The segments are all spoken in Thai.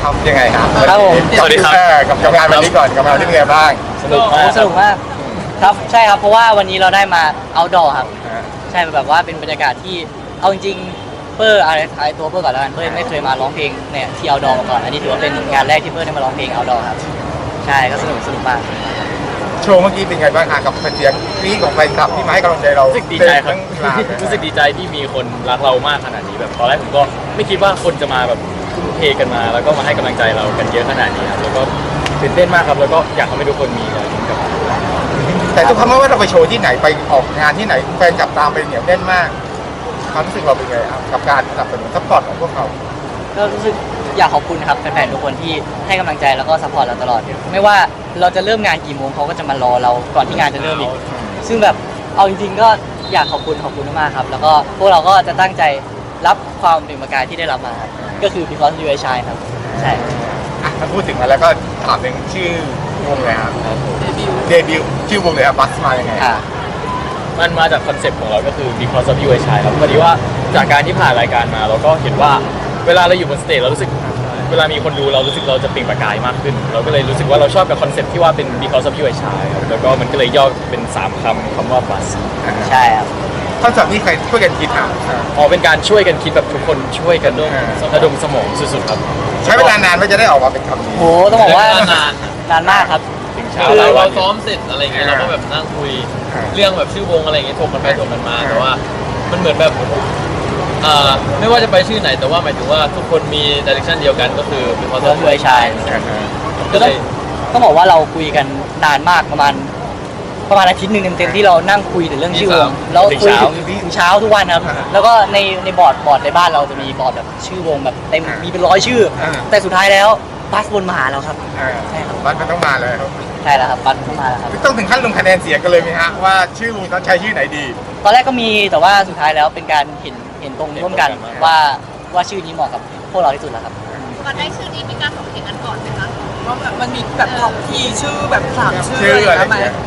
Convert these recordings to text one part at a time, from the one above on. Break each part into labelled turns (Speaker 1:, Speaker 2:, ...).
Speaker 1: ครับยังไงครับ
Speaker 2: ครับผม
Speaker 3: สวัสดีครับ
Speaker 1: กับงานวันนี้ก่อนกับงานที่เป็นไงบ้าง
Speaker 3: สนุกมาก
Speaker 2: สนุกมากครับใช่ครับเพราะว่าวันนี้เราได้มาเอาดอครับใช่แบบว่าเป็นบรรยากาศที่เอาจริงๆเปิ้ลอะไรตัวเปิ้ลก่อนแล้วกันเปิ้ลไม่เคยมาร้องเพลงเนี่ยที่เอาดอมาก่อนอันนี้ถือว่าเป็นงานแรกที่เปิ้ลได้มาร้องเพลงเอาดอครับใช่ก็สนุกมาก
Speaker 1: โชว์เมื่อกี้เป็นไงบ้างกับเสียงกรี๊ดของแฟนคลับที่มาให้กำลังใจเรา
Speaker 3: รู้สึกดีใจครับ รู้สึกดีใจที่มีคนรักเรามากขนาดนี้แบบตอนแรกผมก็ไม่คิดว่าคนจะมาแบบทุ่มเทกันมา แล้วก็มาให้กำลังใจเรากันเยอะขนาดนี้ครับแล้วก็ตื่นเต้นมากครับแล้วก็อยากให้ทุกคนมีอะไรนี้กับ
Speaker 1: แต่ทุกครั้งไม่ว่าเราไปโชว์ที่ไหนไปออกงานที่ไหนแฟนคลับตามไปเหนียวแน่นมากความรู้สึกเราเป็นไงครับกับการสนับสนุนซัพพอร์ตของพวกเขา
Speaker 2: ก็รู้สึกอยากขอบคุณครับแฟนๆทุกคนที่ให้กำลังใจแล้วก็ซัพพอร์ตเราตลอดไม่ว่าเราจะเริ่มงานกี่โมงเขาก็จะมารอเราก่อนที่งานจะเริ่มอีกซึ่งแบบเอาจริงๆก็อยากขอบคุณมากๆครับแล้วก็พวกเราก็จะตั้งใจรับความเป็นประกายที่ได้รับมาครับก็คือ because you are shy ครับใช่
Speaker 1: ถ้าพูดถึงมาแล้วก็ถามถึงชื่อวงเลยครับเดบิวต์ชื่อวงเลยครับบัสมายังไง
Speaker 3: มันมาจากคอนเซ็ปต์ของเราก็คือ because of you I shine ครับพอดีว่าจากการที่ผ่านรายการมาเราก็เห็นว่าเวลาเราอยู่บนสเตจเรารู้สึกเวลามีคนดูเรารู้สึกเราจะเปล่งประกายมากขึ้น เราก็เลยรู้สึกว่าเราชอบกับคอนเซ็ปต์ที่ว่าเป็น because of you I shine ครับแล้วก็มันก็เลยย่อเป็น3คำว่า bus
Speaker 2: ใช่ครับ
Speaker 1: คอนเสิร์ตนี้ใครช่วยกันคิดอ่ะ
Speaker 3: เป็นการช่วยกันคิดแบบทุกคนช่วยกันระดมสมองสุดๆครับ
Speaker 1: ใช้เวลานานไม่จะได้ออกมาเป็นคำนี้
Speaker 2: โหต้องบอกว่านานมากครับ
Speaker 3: ถึงเช้า
Speaker 4: คือ
Speaker 3: หลายวั
Speaker 4: เรา
Speaker 3: น
Speaker 4: ซ้อมเสร็จอะไรเงี้ยเราก็แบบนั่งคุยเรื่องแบบชื่อวงอะไรเงี้ยถกกันไปถกกันมาแต่ว่ามันเหมือนแบบไม่ว่าจะไปชื่อไหนแต่ว่าหมายถึงว่าทุกคนมีดิเรกชันเดียวกันก็คือเป็นความ
Speaker 2: because you are shy
Speaker 4: ก็เลย
Speaker 2: ต้องบอกว่าเราคุยกันนานมากประมาณอาทิตย์หนึ่งเต็มๆที่เรานั่งคุยถึงเรื่องชื่อวงแล้วคุยถึงเช้าทุกวันครับแล้วก็ในบอร์ดในบ้านเราจะมีบอร์ดแบบชื่อวงแบบเต็มมีเป็น100 ชื่อ แต่สุดท้ายแล้วบัสบนมาหาเราครับ ใช่ครับ
Speaker 1: บัสมันต้องมาเลยครับ
Speaker 2: ใช่แล้วครับบัสเข้ามาแล้วครับ
Speaker 1: ต้องถึงขั้นลงคะแนนเสียงกันเลยไหมฮะว่าชื่อวงต้องใช้ชื่อไหนดี
Speaker 2: ตอนแรกก็มีแต่ว่าสุดท้ายแล้วเป็นการเห็นตรงร่วมกันว่าชื่อนี้เหมาะกับพวกเราที่สุดแล้วครับ
Speaker 5: ก่อนได้ชื่อนี้มีการถกเถียงกันก่อนไหมคะ
Speaker 6: ว่าแบบมันมีแบบท็อปทีชื่อแบบ3 ชื่อ
Speaker 1: ชื่อ
Speaker 6: อะไร
Speaker 1: อะไร
Speaker 6: อย่าง
Speaker 1: เงี้
Speaker 6: เงี้
Speaker 1: ย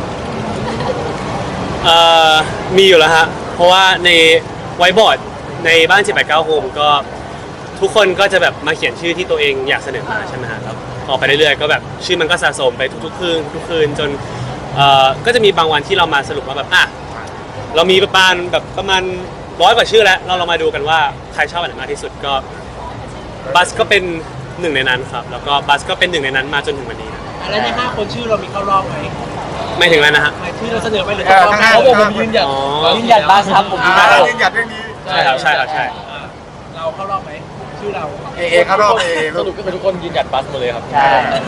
Speaker 6: ย
Speaker 7: มีอยู่แล้วฮะ เพราะว่าในไวท์บอร์ดในบ้าน789โฮมก็ทุกคนก็จะแบบมาเขียนชื่อที่ตัวเองอยากเสนอมาใช่ไหมฮะแล้วออกไปเรื่อยๆก็แบบชื่อมันก็สะสมไปทุกๆคืนจนก็จะมีบางวันที่เรามาสรุปว่าแบบเรามีประมาณ100 กว่าชื่อแล้วเรามาดูกันว่าใครชอบอันไหนมากที่สุดก็บัสก็เป็นหนึ่งในนั้นครับแล้วก็บัสก็เป็นหนึ่งในนั้นมาจนถึงวันนี้นะ
Speaker 6: แล้วใน5 คนชื่อเรามีเข้ารอบไหม
Speaker 7: ไม่ถึงแล้วนะฮะ
Speaker 6: หมายชื่อเราเสนอไปหรือเข้ารอบ
Speaker 1: ทั้ง
Speaker 6: ไหม
Speaker 1: ห้า
Speaker 4: เขาบอกผมยืนหยัด
Speaker 7: อ๋อ
Speaker 2: ยืนยันบัสครับผมยืนยัน
Speaker 1: ยืนหยัดเรื่องนี้
Speaker 7: ใช่ครับใช่
Speaker 6: เราเข้ารอบไหมชื่อเรา
Speaker 1: เอเข้ารอบเอ
Speaker 3: สรุปก็คือทุกคนยืนหยัดบัสหมดเลยครับ
Speaker 2: ใช่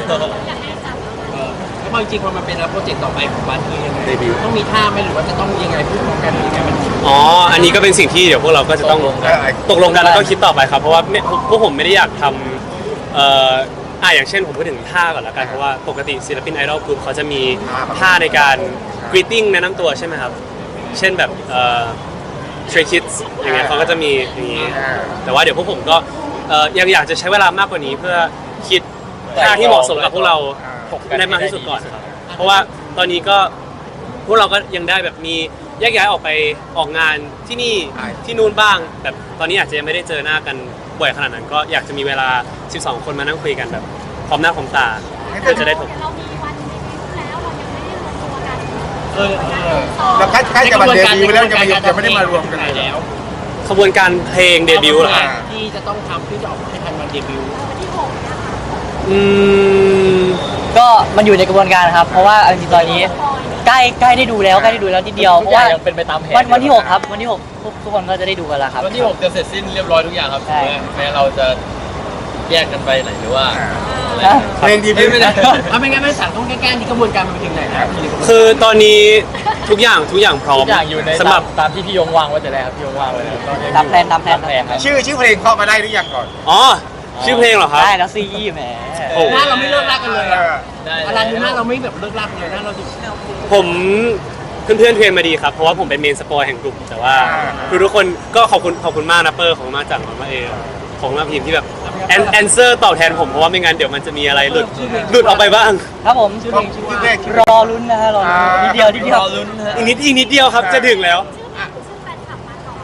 Speaker 6: แล้วพอจริงๆพอมันเป็นแล้วโปรเจกต์ต่อไปของบ้านคือยังไง
Speaker 3: เดบิวต์
Speaker 6: ต้องมีท่าไหมหรือว่าจะต้องยังไงพูดพร้อมกันหรือยังไงมัน
Speaker 7: อ๋อ อันนี้ก็เป็นสิ่งที่เดี๋ยวพวกเราก็จะต้องตกลงกันแล้วก็คิดต่อไปครับ เพราะว่าพวกผมไม่ได้อยากทำอย่างเช่นผมพูดถึงท่าก่อนละกัน เพราะว่าปกติศิลปินไอดอลกรุ๊ปเขาจะมีท่าในการ greeting แนะนำตัวใช่ไหมครับ เช่นแบบStray Kids อย่างเงี้ยเขาก็จะมีอย่างนี้ แต่ว่าเดี๋ยวพวกผมก็ยังอยากจะใช้เวลามากกว่านี้เพื่อคิดท่าที่เหมาะสมกับพวกเราได้มากที่สุดก่อนครับ เพราะว่าตอนนี้ก็พวกเราก็ยังได้แบบมีแยกย้ายออกไปออกงานที่นี่ที่นู่นบ้างแบบตอนนี้อาจจะยังไม่ได้เจอหน้ากันบ่อยขนาดนั้น ก็อยากจะมีเวลา 12 คนมานั่งคุยกันแบบพร้อมหน้าพร้อมตาเพื่อจะได้ถก
Speaker 5: เรามีวันเดบิวต์แล้วเรายังไม่ได้รวมตัวกัน
Speaker 1: แล้วใกล้จะมาเดบิวต์แล้วจะไม่ได้มารวมกันเลย
Speaker 6: แล้ว
Speaker 7: ขบวนการเพลงเดบิวต์เหรอครับ
Speaker 6: ที่จะต้องทำเพื่อจะออกมาให้ทันวันเดบิวต์
Speaker 5: วันที่6นะคะ
Speaker 7: อืม
Speaker 2: ก็มันอยู่ในกระบวนการครับ เพราะว่าเอาจริงๆตอนนี้ใกล้ได้ดูแล้วนิดเดียวเพ
Speaker 3: ทุก
Speaker 2: ราะ
Speaker 3: อย่า
Speaker 2: ว่าง
Speaker 3: ยังเป็นไปตามแผน
Speaker 2: วันที่ 6 ครับวันที่ 6 ทุกคนก็จะได้ดูกันแล้วครับ
Speaker 4: วันที่ 6 จะเสร็จสิ้นเรียบร้อยทุกอย่างครับ
Speaker 2: ใช่
Speaker 4: แม้เราจะแยกกันไปไหนหรือว่าอะไร
Speaker 2: นะ
Speaker 1: เพลงดีบิวต์
Speaker 4: ไม่ได้
Speaker 6: เอาไม่งั้นไม่สั่งต้องแก้ๆนี่กระบวนการมันไปถึงไหนนะ
Speaker 7: คือตอนนี้ทุกอย่างพร้อม
Speaker 3: ทุกอย่างอยู่ใน
Speaker 7: สำหรับ
Speaker 3: ตามที่พี่ยงวางไว้แต่แรกครับพี่ยงวางไว้แล้วก็ยังอยู่
Speaker 2: ตามแพลน
Speaker 3: ครับ
Speaker 1: ชื่อเพลงเข้ามาได้หรือยังก่อน
Speaker 7: อ๋อชื่อเพลงเหรอครับ
Speaker 2: ได้แล้วซีแหม
Speaker 7: โอ้
Speaker 6: หน้าเราไม่เลิกลากกันเลยอะ
Speaker 4: ได้
Speaker 6: อะไรดูหน้าเราไม่แบบเลิกลากกันเลยหน้าเราดู
Speaker 7: ผมเพื่อนๆเทรนมาดีครับ เพราะว่าผมเป็นเมนสปอยแห่งกลุ่มแต่ว่าคือทุกคนก็ขอบคุณมากนะเปอร์ขอบคุณมากจากของมาเอของมาพิมพ์ที่แบบแอนเซอร์ตอบแทนผมเพราะว่าไม่งั้นเดี๋ยวมันจะมีอะไรหลุดออกไปบ้าง
Speaker 2: ครับผมชื่อเพลงชื่อว่ารอลุ้นนะฮะรอลุ้นนิดเดียว
Speaker 4: รอลุ้นฮะ
Speaker 7: อีกนิดเดียวครับจะถึงแล้ว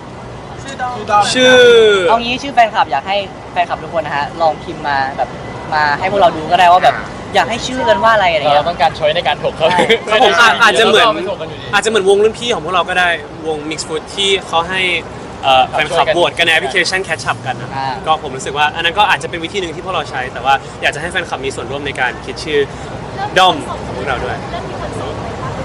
Speaker 5: ชื่อแฟนคลับมาก่อน
Speaker 6: ชื่อดอม
Speaker 7: ชื่อ
Speaker 2: เอางี้ชื่อแฟนคลับอยากให้แฟนคลับทุกคนนะฮะลองพิมพ์มาแบบมาให้พวกเราดูก็ได้ว่าแบบอยากให้ชื่อกันว่าอะไรอะไร
Speaker 3: เรา
Speaker 2: เงี้ย
Speaker 3: ต้องการช้อยในการถกเขา
Speaker 7: ครับผมอาจจะเหมือน
Speaker 3: ไม่ถกกันอยู่ดี
Speaker 7: อาจจะเหมือนวงรุ่นพี่ของพวกเราก็ได้วง Mix Food ที่เขาให้แฟนคลับโหวตกันในแอปพลิเคชัน Catch Up กันนะก็ผมรู้สึกว่าอันนั้นก็อาจจะเป็นวิธีหนึ่งที่พวกเราใช้ แต่ว่าอยากจะให้แฟนคลับมีส่วนร่วมในการคิดชื่อด้อมของพวกเราด้วย
Speaker 5: เริ่มมีคนส่งไหมคะ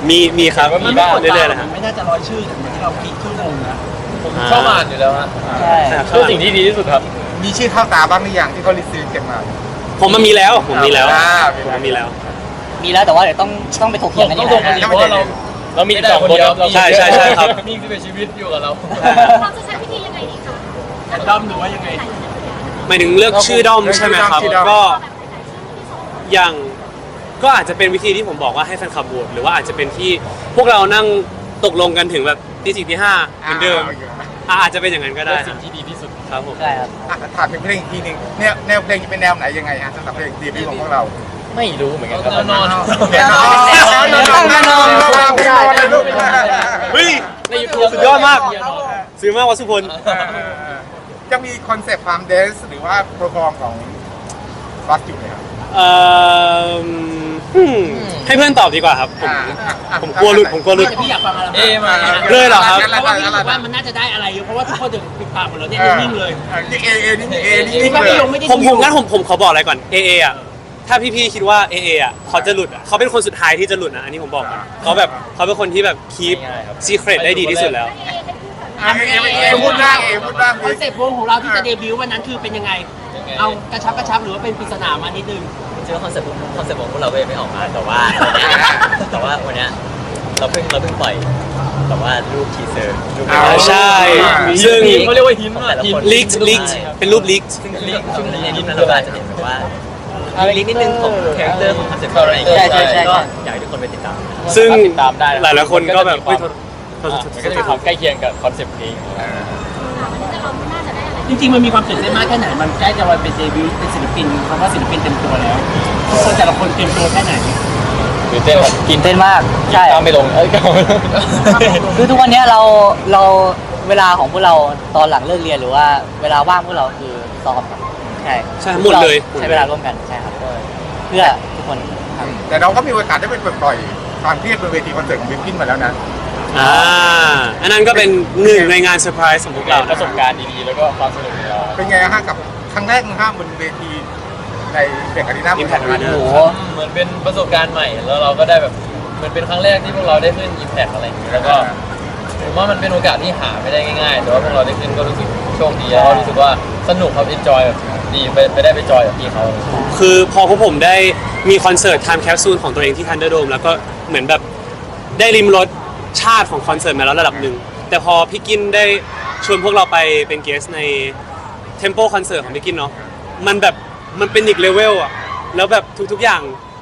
Speaker 7: มีครับ
Speaker 3: มันมีบ้าง
Speaker 7: เรื่อยๆนะครับ
Speaker 6: ไม่น่าจะร้อยชื่ออย่างที่เราคิดชื่อวงนะ
Speaker 3: ผมชอบอ่านอยู่แล้วฮะ
Speaker 2: ใช่
Speaker 7: ครับ
Speaker 3: คือสิ่งที่ดีที่สุดครับ
Speaker 1: มีชื่อเข้าตาบ้างหรือยังที่เขาลิสต์เก็บมา
Speaker 7: ผมมันมีแล้วผมมีแล้ว
Speaker 1: อ่า
Speaker 7: ผมมีแล้ว
Speaker 2: มีแล้วแต่ว่าเดี๋ยวต้องไปถกเถียงกัน
Speaker 3: ต้
Speaker 2: อี
Speaker 3: อง
Speaker 2: ก
Speaker 3: ถกกัน
Speaker 2: นะ
Speaker 3: อีกเพราะว่าเรามีอีกสองคนครับ
Speaker 7: ใช่ใช่ใช่ครับ
Speaker 3: นี่คือเป็นชีวิตอยู่กับเรา
Speaker 5: เราจะใช้วิธียังไงดีคะ
Speaker 6: แอนด้อมหรือว่ายังไง
Speaker 7: หมายถึงเลือกชื่อด้อมใช่ไหมครับ ก็อย่างก็อาจจะเป็นวิธีที่ผมบอกว่าให้แฟนคลับโหวตหรือว่าอาจจะเป็นที่พวกเรานั่งตกลงกันถึงแบบตีสี่ตีห้าเหมือนเดิมอาจจะเป็นอย่างนั้นก็ได้
Speaker 3: เป็นสิ่งที่ดีที่สุด
Speaker 7: ครับผม
Speaker 2: ใช่ครับ
Speaker 1: ถามถึงเพลงอีกทีหนึงแนวเพลงจะเป็นแนวไหนยังไงฮะสำหรับเพลงเดบิวต์ของพวกเรา
Speaker 3: ไม่รู้เหมือนกันครับ
Speaker 4: แนวนอน
Speaker 1: แนวนอนแนวนอนเลยลูก
Speaker 7: เฮ้ย
Speaker 3: ในยูทูบ
Speaker 7: สุดยอดมาก ซื้อมากวัสุพล
Speaker 1: จะมีคอนเซปต์ความเดนส์หรือว่าโปรแกรมของบัสอยู่ไหมครับ
Speaker 7: เอ่อให้เพื่อนตอบดีกว่าครับ ผมกลัวหลุดผมกลัวหลุด
Speaker 6: พี่อยากฟังอะไร
Speaker 3: เอมา
Speaker 7: เลยเหรอครับ
Speaker 6: เพราะว่าพี่รู้สึกว่ามันน่าจะได้อะไรเพราะว่าทุกคนถึงปิดปากหมดแล้วเนี่ยนิ่งๆเลย
Speaker 1: นี่เอนี่
Speaker 6: คิดว่าพี่ยงไม่ได้
Speaker 7: ผมงั้นผมขอบอกอะไรก่อน AA อ่ะถ้าพี่ๆคิดว่า AA อ่ะเขาจะหลุดอ่ะเขาเป็นคนสุดท้ายที่จะหลุดนะอันนี้ผมบอกก่อนเขาแบบเขาเป็นคนที่แบบคีปซีเครตได้ดีที่สุดแล้ว
Speaker 1: เอพูดบ้างพูดบ้าง
Speaker 6: คอนเซ็ปต์วงของเราที่จะเดบิวต์วันนั้นคือเป็นยังไง เอากระชับหรือว่าเป็นปริศนามานิดนึง
Speaker 8: จริงๆคอนเซ็ปต์ของพวกเราก็ยังไม่ออกมาแต่ว่าวันเนี้ยเราเพิ่งปล่อยแต่ว่ารูปทีเซอร์รูป
Speaker 7: ใช่ ซึ่ง
Speaker 3: เขาเรียกว่าหินอ่ะหิน
Speaker 7: ลีกเป็นรูปลีก
Speaker 8: ซึ่งลิงก์ช่วงนี้นั้นเราอาจจะเห็นแบบว่าลิงก์นิดนึงของคาแรคเตอร์ของคอนเซ็ปต์อะไรอย่างเงี้ย
Speaker 2: ใช่
Speaker 8: ก็อยากให้ทุกคนไปติดตาม
Speaker 7: ซึ่ง
Speaker 3: ติดตามได้
Speaker 7: หลายๆคนก็แบบเฮ้ยโทษ
Speaker 3: มันก็จะมีความใกล้เคียงกับคอนเซ็ปต์เพลง
Speaker 6: จริงๆมันมีความตื่นเต้นมากแค่ไหน มันใกล้จะวันเป็นเดบิวต์เป็นศิลปินคำว่าศิลปินเต็มตัวแล้วทุกคนแต่ละคนเต็มตัวแค่ไหน
Speaker 3: ตื่นเต้นครับกิน
Speaker 2: เต้นมากใช่
Speaker 3: ตามไม่ลงก็ไม่ลง
Speaker 2: คือทุกวันเนี้ยเราเวลาของพวกเราตอนหลังเลิกเรียนหรือว่าเวลาว่างพวกเราคือซ้อมครับใช่
Speaker 7: ใช่หมดเลย
Speaker 2: ใช้เวลาร่วมกันใช่ครับเพื่อทุกคนครับ
Speaker 1: แต่เราก็มีโอกาสได้ไปปล่อยความเครียดบนเวทีคอนเสิร์ตของบิวกิ้นมาแล้วนะ
Speaker 7: อันนั้นก็เป็นหนึ่งในงานเซอร์ไพรส์ของพวกเรา
Speaker 3: ประสบการณ์ดีๆแล้วก็ความสนุกของเรา
Speaker 1: เป็นไงฮะกับครั้งแรกห้ามบนเวทีในเด็กอารีนา
Speaker 7: Impact Arena
Speaker 2: โอ้โห
Speaker 4: เหมือนเป็นประสบการณ์ใหม่แล้วเราก็ได้แบบเหมือนเป็นครั้งแรกที่พวกเราได้ขึ้น Impact อะไรอย่างนี้แล้วก็ผมว่ามันเป็นโอกาสที่หาไม่ได้ง่ายๆแต่ว่าพวกเราได้ขึ้นก็รู้สึกโชคดีแล้วก็รู้สึกว่าสนุกครับ enjoy แบบดีไปได้ไปจอยกับพี่เขา
Speaker 7: คือพอพวกผมได้มีคอนเสิร์ต Time Capsule ของตัวเองที่ Thunderdome แล้วก็เหมือนแบบได้ริมรสชาติของคอนเสิร์ตมาแล้วระดับหนึ่ง แต่พอพี่กินได้ชวนพวกเราไปเป็นเกสใน Tempo คอนเสิร์ตของพี่กินเนาะมันแบบมันเป็นอีกเลเวลอะแล้วแบบทุกๆอย่าง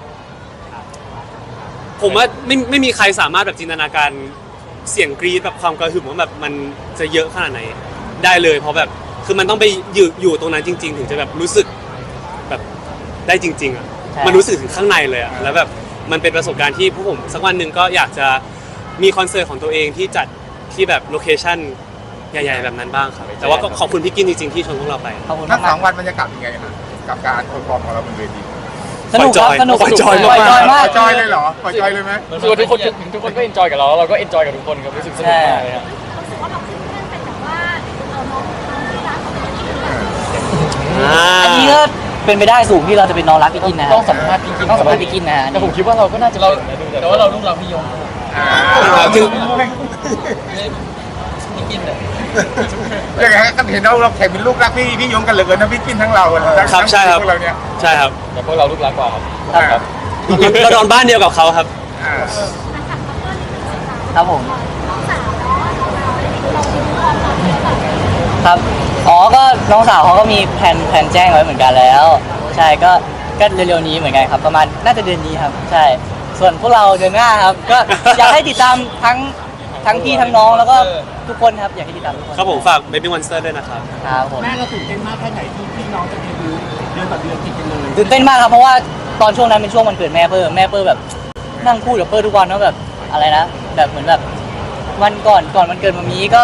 Speaker 7: ผมว่าไม่มีใครสามารถแบบจินตนาการเสียงกรี๊ดแบบความกระหึ่มว่าแบบมันจะเยอะขนาดไหนได้เลยเพราะแบบคือมันต้องไปอยู่ตรงนั้นจริง ๆ ถึงจะแบบรู้สึกแบบได้จริง ๆอ่ะ
Speaker 2: ใช่
Speaker 7: มันรู้สึกถึงข้างในเลยอ่ะแล้วแบบมันเป็นประสบการณ์ที่พวกผมสักวันหนึ่งก็อยากจะมีคอนเสิร์ตของตัวเองที่จัดที่แบบโลเคชั่นใหญ่ๆแบบนั้นบ้างครับแต่ว่าก็ขอบคุณพี่กินจริงๆที่ชวนพวกเราไป
Speaker 2: ขอบคุณ
Speaker 1: ทั้งส
Speaker 2: มา
Speaker 1: อก งวันบรรยากาศเป็นไงฮะกับการเพอร์ฟอร์มของเราบนเวที
Speaker 2: สนุกครับสนุก
Speaker 7: ปล่อยจอยมาก
Speaker 2: ปล่อยจอยมาก
Speaker 1: จอยเลยเหรอปล่อยจอยเลยไหม
Speaker 3: รู้สึกว่าทุกคนก็เอนจอยกับเราแล้วเราก็เอนจอยกับทุกคนครับรู้สึกสนุกมากเลยครับ
Speaker 5: รู้สึกว่าเราขึ้นเพื่อนเป็นแบบว่าน้องที่รักของพี่กินหรือเปล่า
Speaker 2: อันนี้ก็เป็นไปได้สูงที่เราจะเป็นน้องรักพี่กินนะฮะ
Speaker 3: ต้องสัมภาษณ์พี่กิน
Speaker 2: ต้องสัมภาษณ์พี่กินนะฮะ
Speaker 3: แต่ผมคิดว่าเราก็น่าจะ
Speaker 4: เราแต่ว่าเราลูกเราพี่ยง
Speaker 7: ถึง
Speaker 4: พี่กินเนี่ย
Speaker 1: ยังไงฮะก็เห็นเราแข่งเป็นลูกรักพี่ยงกันเหลือเกินนะพี่กินทั้งเราทั้ง
Speaker 7: ครับใช่ครับ
Speaker 1: พวกเราเนี่ย
Speaker 7: ใช่ครับ
Speaker 3: แต่พวกเราลูกรักกว่าครับ
Speaker 1: ครับ
Speaker 7: เรานอนบ้านเดียวกับเขาครับ
Speaker 2: ครับผม
Speaker 5: น้องสาวเนาะเราได้ดูเราดูเราตอนนี้แบบ
Speaker 2: ครับอ๋อก็น้องสาวเขาก็มีแผนแจ้งไว้เหมือนกันแล้ว ใช่ก็เร็วๆนี้เหมือนกันครับประมาณน่าจะเดือนนี้ครับใช่ส่วนพวกเราเดือนหน้าครับก็อยากให้ติดตามทั้งพี่ทั้งน้องแล้วก็ทุกคนครับอยากให้ติดตามทุกคน
Speaker 7: ครับผมฝาก Baby Monster ด้วยนะครับ
Speaker 2: ครับผม
Speaker 6: แม่เราตื่นเต้นมากแค่ไหนที่พี่น้องจะเดบิวต์เดือนต่อเดือนติดกันเลย
Speaker 2: ตื่นเต้นมากครับเพราะว่าตอนช่วงนั้นเป็นช่วงวันเกิดแม่เปิ้ลแบบนั่งพูดกับเปิ้ลทุกวันว่าแบบอะไรนะแบบเหมือนแบบวันก่อนวันเกิดมามีก็ไป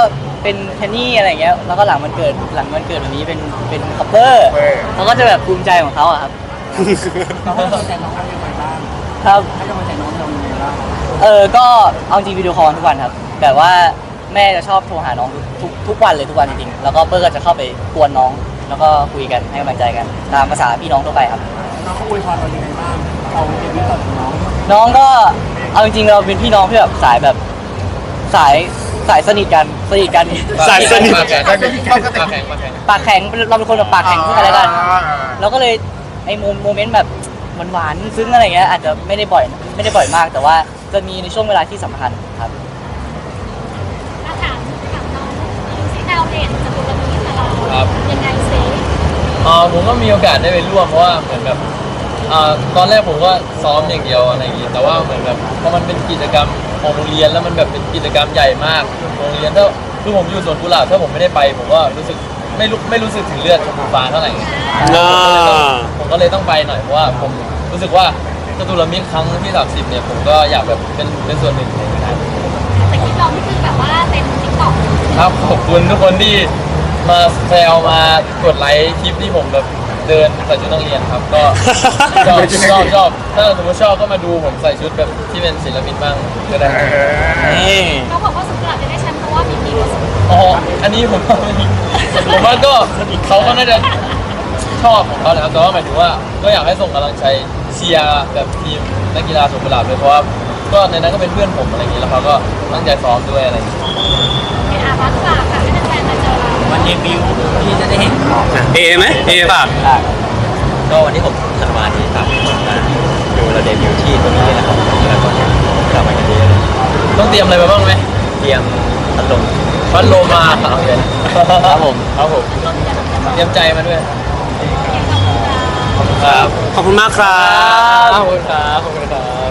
Speaker 2: เป็นแคนนี่อะไรเงี้ยแล้วก็หลังมันเกิดแบบนี้เป็นคัพเปอร์เขาก็จะแบบภูมิใจของเขาอะครับ
Speaker 6: เราให้กำลังใจน้องเราอย่างไรบ้าง
Speaker 2: ครับ
Speaker 6: ให้กำลังใจน้องเราอย่างไรบ้าง
Speaker 2: ก็เอาจริงวิดีโอคอลทุกวันครับแต่ว่าแม่จะชอบโทรหาน้องทุกวันเลยทุกวันจริงๆแล้วก็เปิ้ลก็จะเข้าไปกวนน้อง แล้วก็คุยกันให้กำลังใจกันตามภาษาพี่น้องทั่วไปครับ
Speaker 6: น้องเขาอวยพรเราอย่างไรบ้างเอาเดบิวต์ต่อจากน้อง
Speaker 2: น้องก็เอาจริงๆเราเป็นพี่น้องที่แบบสายแบบสายสนิทกัน
Speaker 7: สายสนิท
Speaker 4: ปากแข็งปากแข็ง
Speaker 2: ปากแข็งเราเป็นคนแบบปากแข็งซึ่งกันและกันเราก็เลยไอ้โมเมนต์แบบหวานๆซึ้งอะไรเงี้ยอาจจะไม่ได้บ่อยมาก แต่ว่าจะมีในช่วงเวลาที่สำคัญครับ
Speaker 5: ถามน้องซีดาวเด่นจะดูระมีตลอด
Speaker 4: ครับ
Speaker 5: ยังไงซิ
Speaker 4: ผมก็มีโอกาสได้ไปร่วมเพราะว่าเหมือนแบบตอนแรกผมก็ซ้อมอย่างเดียวอะไรอย่างงี้แต่ว่าเหมือนแบบพอมันเป็นกิจกรรมของโรงเรียนแล้วมันแบบเป็นกิจกรรมใหญ่มากโรงเรียนถ้าคือผมอยู่สวนกุหลาบถ้าผมไม่ได้ไปผมก็รู้สึกไม่รู้สึกถึงเลือดชมพูฟ้าเท่าไหร่ ผมก็เลยต้องไปหน่อยเพราะว่าผมรู้สึกว่าจตุรมิตรครั้งที่ 30เนี่ยผมก็อยากแบบเป็นส่วนหนึ่งในนั้น
Speaker 5: แต่คลิปเรานี่คือแบบว่าเป็นติ๊กต็อก
Speaker 4: ครับขอบคุณทุกคนที่มาแซวมากดไลค์คลิปที่ผมแบบเดินใส่ชุดนักเรียนครับก็ชอบถ้าสมมติชอบก็มาดูผมใส่ชุดแบบที่เป็นศิลปินบ้างก็ได้
Speaker 2: นี่
Speaker 5: เขาบอกว่าสุดท้ายจะได้แชมป์เพราะว่ามีมีว่าสุด
Speaker 4: อ๋ออันนี้ผมว่าก็เขาก็น่าจะชอบของเขาแหละครับแต่ว่าหมายถึงว่าก็อยากให้ส่งกำลังใจเชียร์แบบทีมนักกีฬาสวนกุหลาบเลยเพราะว่าก็ในนั้นก็เป็นเพื่อนผมอะไรอย่างนี้แล้วเขาก็ตั้งใจซ้อมด้วยอะไรอย่างนี้
Speaker 5: พักฝากค่ะให้แฟนๆมาเจอเรา
Speaker 6: วันเดบิวต์ที่จะได้เห็น
Speaker 7: เอไหมเอฝาก
Speaker 8: ก็วันที่6 ธันวาคมนี้ครับมาดูเราเดบิวต์ที่ตรงนี้นะครับแล้วก็กลับมากันเยอะเลย
Speaker 4: ต้องเตรียมอะไรมาบ้างไหม
Speaker 8: เตรียมพัดลม
Speaker 4: พัดโลมาเอาเลย
Speaker 2: ครับผม
Speaker 4: ครับผมเตรียมใจมาด้วย
Speaker 7: ขอบคุณมากครับ
Speaker 4: ขอบคุณครับขอบคุณครับ